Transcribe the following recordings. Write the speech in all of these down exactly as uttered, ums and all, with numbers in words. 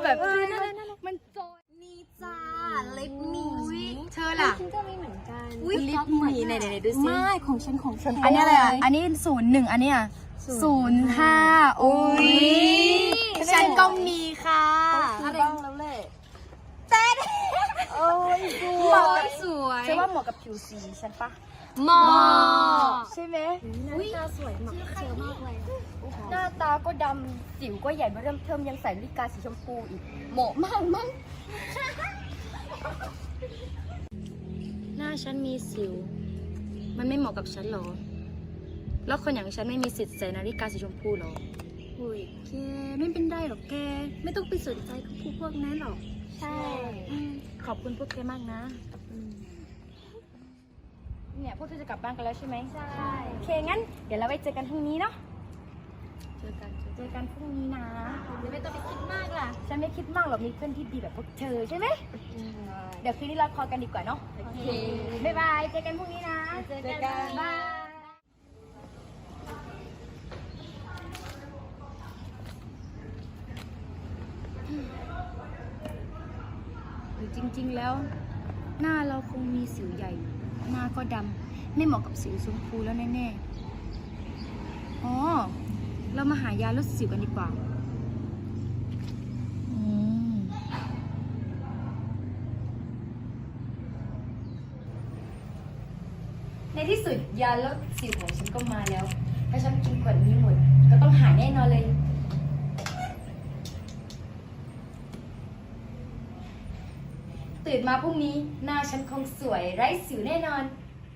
แบบมันจอยนี่จ้าเล็บหมีเธอล่ะฉันก็มีเหมือนกันลิปหมีไหนไหนดูสิไม่ของฉันของฉันอันนี้อะไรอ่ะอันนี้ศูนย์หนึ่งอันนี้อ่ะศูนย์ห้าโอ้ยฉันก็มีค่ะอะไรบ้างแล้วแหละแต่โอ้ยสวยสวยฉันว่าเหมาะกับผิวสีฉันปะเหมาะใช่ไหมอุ้ยตาสวยเหมาะกับเธอมากเลยหน้าตาก็ดำสิวก็ใหญ่เริ่มเทิมยังใส่นาฬิกาสีชมพูอีกเหมาะมากมั้งหน้าฉันมีสิวมันไม่เหมาะกับฉันหรอแล้วคนอย่างฉันไม่มีสิทธิ์ใส่นาฬิกาสีชมพูหรออุ้ยแกไม่เป็นไรหรอกแกไม่ต้องไปสนใจกับพวกพวกนั้นหรอกใช่ขอบคุณพวกแกมากนะเนี่ยพวกเธอจะกลับบ้านกันแล้วใช่ไหมใช่โอเคงั้นเดี๋ยวเราไปเจอกันพรุ่งนี้เนาะเจอกันเจอกันพรุ่งนี้นะเดี๋ยวไม่ต้องไปคิดมากล่ะฉันไม่คิดมากหรอกมีเพื่อนที่ดีแบบพวกเธอใช่ไหมเดี๋ยวคืนนี้เราคอกันดีกว่าเนาะโอเคบ๊ายบายเจอกันพรุ่งนี้นะเจอกันบายหรือจริงๆแล้วหน้าเราคงมีสิวใหญ่หน้าก็ดำไม่เหมาะกับสิวชมพูแล้วแน่ๆอ๋อเรามาหายาลดสิวกันดีกว่าในที่สุดยาลดสิวของฉันก็มาแล้วถ้าฉันกินขวดนี้หมดก็ต้องหายแน่นอนเลยตื่นมาพรุ่งนี้หน้าฉันคงสวยไร้สิวแน่นอน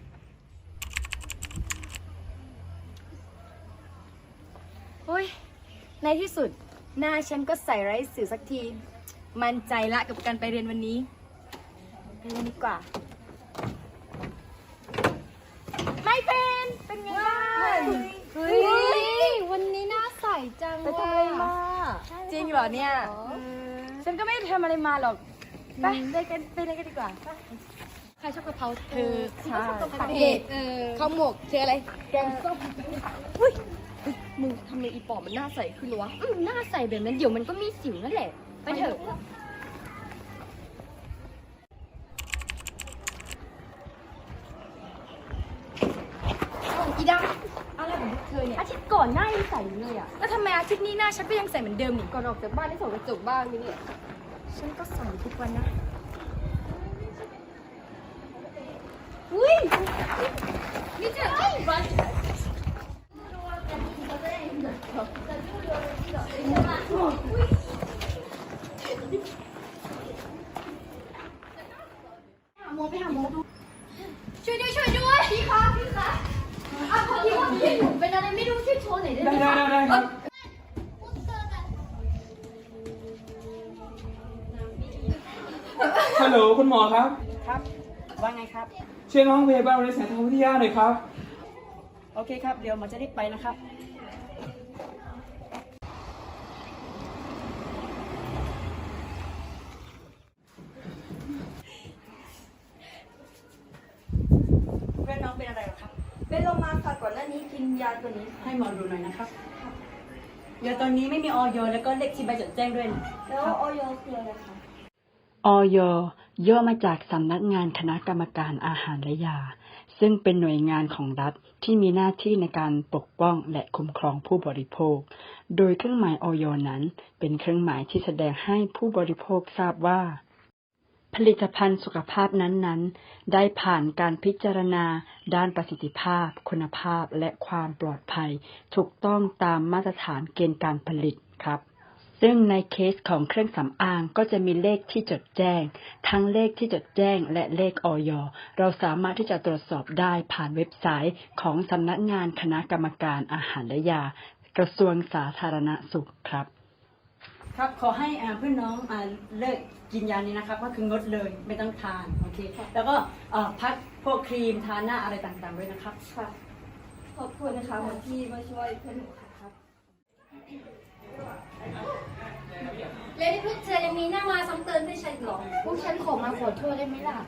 โอ้ยในที่สุดหน้าฉันก็ใส่ไร้สิวสักทีมั่นใจละกับการไปเรียนวันนี้ไปเรียนดีกว่าไม่เป็นเป็นไงบ้างเฮ้ยวันนี้หน้าใสจังไปทำอะไรมาจริงเหรอเนี่ยฉันก็ไม่ได้ทำอะไรมาหรอกไปไปกันไปเลยกันดีกว่าใครชอบกะเพราเธอค่ะผักเห็ดข้าวหมกเธออะไรแกงส้มอุ้ยมึงทำไมอีปอบมันหน้าใสขึ้นวะหน้าใสแบบนั้นเดี๋ยวมันก็มีสิวนั่นแหละไปเถอะอีดำอะไรของเธอเนี่ยอาทิตย์ก่อนหน้ายังใสอยู่เลยอ่ะแล้วทำไมอาทิตย์นี้หน้าฉันก็ยังใสเหมือนเดิมนี่ก่อนออกจากบ้านได้ส่องกระจกบ้างนี่เนี่ยฉันก็ใส่ทุกวันนะอุ้ยนี่เจ๊บ้านหมอไปหาหมอดูช่วยด้วยช่วยด้วยพี่คะพี่คะอ่ะพอดีว่าพี่หนูเป็นอะไรไม่รู้ช่วยโชว์หน่อยได้ไหมได้ได้ได้ครับ ฮัลโหลคุณหมอครับครับว่าไงครับช่วยน้องพยาบาลในสายทางวิทยาหน่อยครับโอเคครับ เดี๋ยวหมอจะรีบไปนะครับเพื่อนน้องเป็นอะไรหรอครับเป็นลมมาค่ะก่อนหน้านี้กินยาตัวนี้ให้หมอดูหน่อยนะครับยาตัวนี้ไม่มีออยแล้วก็เลขที่ใบจดแจ้งด้วยนะแล้วออยคืออะไรคะอย ย่อมาจากสำนักงานคณะกรรมการอาหารและยาซึ่งเป็นหน่วยงานของรัฐที่มีหน้าที่ในการปกป้องและคุ้มครองผู้บริโภคโดยเครื่องหมายอย นั้นเป็นเครื่องหมายที่แสดงให้ผู้บริโภคทราบว่าผลิตภัณฑ์สุขภาพนั้นๆได้ผ่านการพิจารณาด้านประสิทธิภาพคุณภาพและความปลอดภัยถูกต้องตามมาตรฐานเกณฑ์การผลิตครับซึ่งในเคสของเครื่องสำอางก็จะมีเลขที่จดแจ้งทั้งเลขที่จดแจ้งและเลขอย เราสามารถที่จะตรวจสอบได้ผ่านเว็บไซต์ของสำนักงานคณะกรรมการอาหารและยากระทรวงสาธารณสุขครับครับขอให้เพื่อนน้องเลิกกินยานี้นะครับก็คืองดเลยไม่ต้องทานโอเคแล้วก็พักพวกครีมทาหน้าอะไรต่างๆด้วยนะครับค่ะขอบคุณนะคะที่มาช่วยเพื่อนหนูครับแล้วพวกเธอยังมีหน้ามาซ้ำเติมให้ฉันหรอพวกฉันขอมาขอโทษได้ไหมล่ะ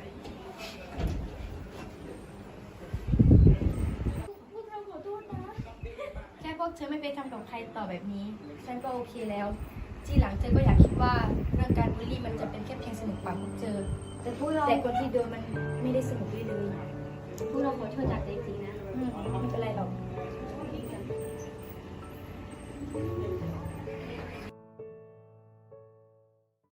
พวกเธอขอโทษนะแค่พวกเธอไม่ไปทำกับใครต่อแบบนี้ฉันก็โอเคแล้วที่หลังเจอก็อยากคิดว่าเรื่องการบูลลี่มันจะเป็นแค่เพียงสนุกปากพวกเจอแต่พวกเราแต่คนที่โดนมันไม่ได้สนุกเลยเลยพวกเราขอโทษจากใจจริงนะอืมไม่เป็นไรหรอก